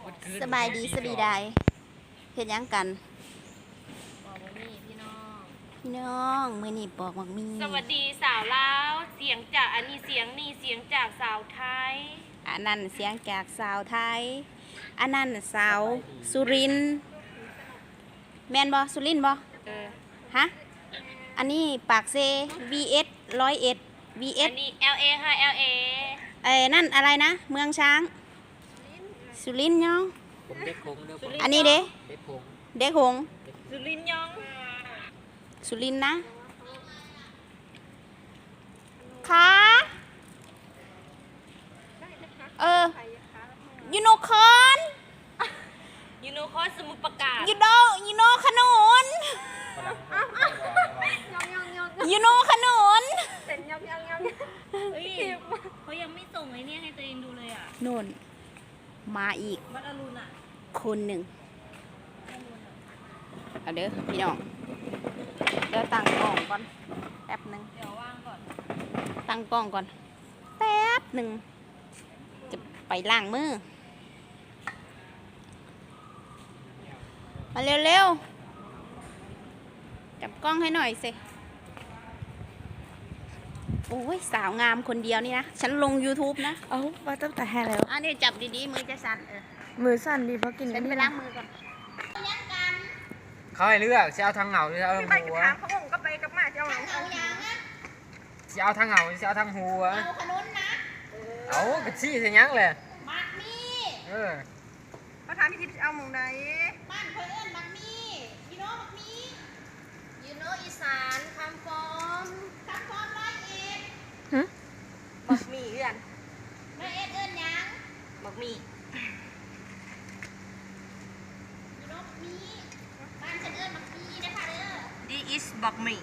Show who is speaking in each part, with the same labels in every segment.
Speaker 1: สบายดีสบีได้เฮ็ดหยังกัน
Speaker 2: บอกว่ามีพี่น้อง
Speaker 1: พี่น้องมื้อนี้ปอกหมักมี
Speaker 2: สวัสดีสาวลาวเสียงจากอันนี้เสียงนี่เสียงจากสาวไทย
Speaker 1: อันนั้นเสียงจากสาวไทยอันนั้นสาวสุรินทร์แม่นบ่สุรินทร์บ่ฮะอันนี้ปากเซ VS 101 VS
Speaker 2: อันนี้ LA ค่ะ LA
Speaker 1: นั่นอะไรนะเมืองช้างสุรินทร์ยัง
Speaker 3: ผมเด็กคงเด้อ
Speaker 1: อันนี้เด้
Speaker 3: เด็กคง
Speaker 1: เด็กหงส์
Speaker 2: สุรินทร์ยอง
Speaker 1: สุรินทร์นะค่ะยูโนคอน
Speaker 2: ยูโนคอสมุทรปราการ
Speaker 1: ยูโนขนุนยูโนขนุน
Speaker 2: เฮ้ยเขายังไม่ส่งไอ้เนี่ยให้ตัวเองดูเลยอ่ะ
Speaker 1: นู่นมาอีก
Speaker 2: วัดอรุณอ่ะ
Speaker 1: คนหนึ่งเอาเด้อพี่น้องเดี๋ยวตั้งกล้องก่อนแป๊บหนึ่ง
Speaker 2: เดี๋ยวว่างก่อน
Speaker 1: ตั้งกล้องก่อนแป๊บหนึ่งจะไปล้างมือมาเร็วๆจับกล้องให้หน่อยสิโอ้ยสาวงามคนเดียวนี่นะฉันลง YouTube นะ
Speaker 4: เอาว่าตั้งแต่แห่แล้ว
Speaker 1: อันนี้จับดีๆมือจะสั่น
Speaker 4: มือสั่นดีเพราะกิน
Speaker 1: ฉันไปล้างมือก่อน
Speaker 3: เขาให้เลือกจะเอาทางเหงาหรือจะเอาทางหัว
Speaker 1: เอาอย่างนะ
Speaker 3: จะเอาทางเหงาหรือจะเอาทางหัว
Speaker 1: เอาขนุนนะ
Speaker 3: เอากระชี้ใส่ยังเลย
Speaker 1: มักมี
Speaker 3: เออ
Speaker 4: เขาถามพี่ทิพย์เอาหมองใด
Speaker 1: บ้านเพื่อนมักมียูโน่มักมียูโน่อีสานคำฟอมร้อยเอ็ด
Speaker 4: บักหมี่เพื่อน
Speaker 1: ร้อยเอ็ดเอิ้นหยัง
Speaker 4: บักหมี่
Speaker 1: ยูโน่มักมีบ้านฉันเอิ้นมักมีนะคะเด้อ
Speaker 4: ดีอิสบักหมี่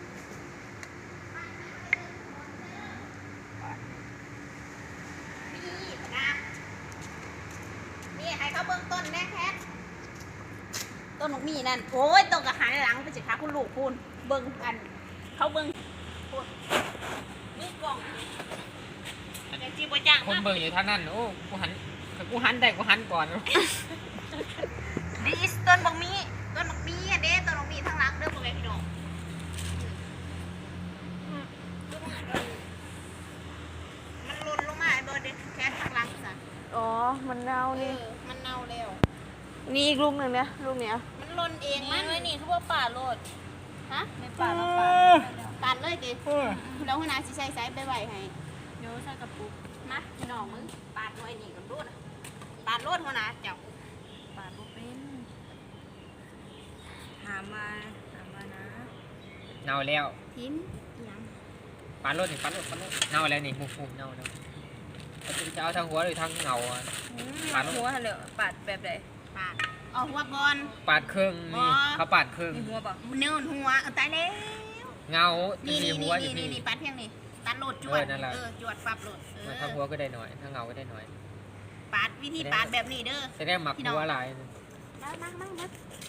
Speaker 1: มีนะนี่ให้เขาเบื้องต้นแน่แคทต้นมักมีนั่นโอ้ยต้นกระหันหลังไปสิคะคุณลูกคุณเบิ่งกันเขาเบิ่งพูดนี่กล่องแต่จีบจ้าง
Speaker 3: คน
Speaker 1: มาก
Speaker 3: เบิ่งอยู่ทางนั้นโอ้กูหันได้กูหันก่อน
Speaker 1: ดีอิสต้นบักมีต้นบักมีอ่ะเด้ต้นบักมีทางหลังเด้อพวกแกพี่น้องมันหล่นลงมาไอ้เบิร์ดเด้แค่ทางหลังซะ
Speaker 4: อ๋อมันเน่านี่
Speaker 1: มันเน่าแล้ว
Speaker 4: นี่อีกลูกหนึ่งเนี่ยลูกเนี้ย
Speaker 1: มันหล่นเอง
Speaker 2: นี่
Speaker 1: มัน
Speaker 2: ไว้นี่เขาบอกป่าโลด
Speaker 1: ฮะ
Speaker 2: ในป่าเราป่า
Speaker 1: ตัดเลยดิแล้วหัวหน้าสิใช้ไซส์ไปไหวให้
Speaker 2: เดี๋ยวใส่กระปุก
Speaker 1: นะพี่น้องมึงปาดหน่อยนี่กันรูดอะปาดรูดหัวหน้าเจ้า
Speaker 2: ป่าบุเป็น
Speaker 4: ถามมานะ
Speaker 3: เน่าแล้ว
Speaker 1: ทิ้นยัง
Speaker 3: ปันรถนี่ปันรถเน่าแล้วนี่ฟูเน่าแล้วจะเอาทางหัวหรือทางเหงาอ่ะ ปาดลง
Speaker 4: หัวเหรอปาดแบบไหน
Speaker 1: ปาดเอาหัวก่อน
Speaker 3: ปาดครึ่งนี่เขาปาดครึ่ง
Speaker 4: มีหัวป่ะ
Speaker 1: เนื้อหัวตายแล้ว
Speaker 3: เงา
Speaker 1: นี่
Speaker 3: มี
Speaker 1: นี่
Speaker 3: หัวอยู่
Speaker 1: นี่
Speaker 3: นี่
Speaker 1: นี่ปาดเพียงนี่ตัดโหลดจวด
Speaker 3: นั่นแหละ
Speaker 1: จวดปรับโหลด
Speaker 3: ทางหัวก็ได้หน่อยทางเหงาก็ได้หน่อย
Speaker 1: ปาดวิธีปาดแบบนี้เด้อ
Speaker 3: จะได้หมักหัวหลาย
Speaker 1: มา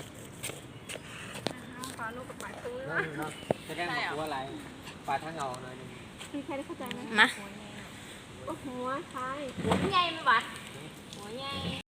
Speaker 4: ปาลูกกับปาดตัว
Speaker 3: จะได้หมักหัวหลายปาดทางเหงาหน่อยนึง
Speaker 4: มีใครได้เข้าใจไหม
Speaker 1: มา
Speaker 4: หัวท้าย
Speaker 1: หัวใหญ่ไหมวะ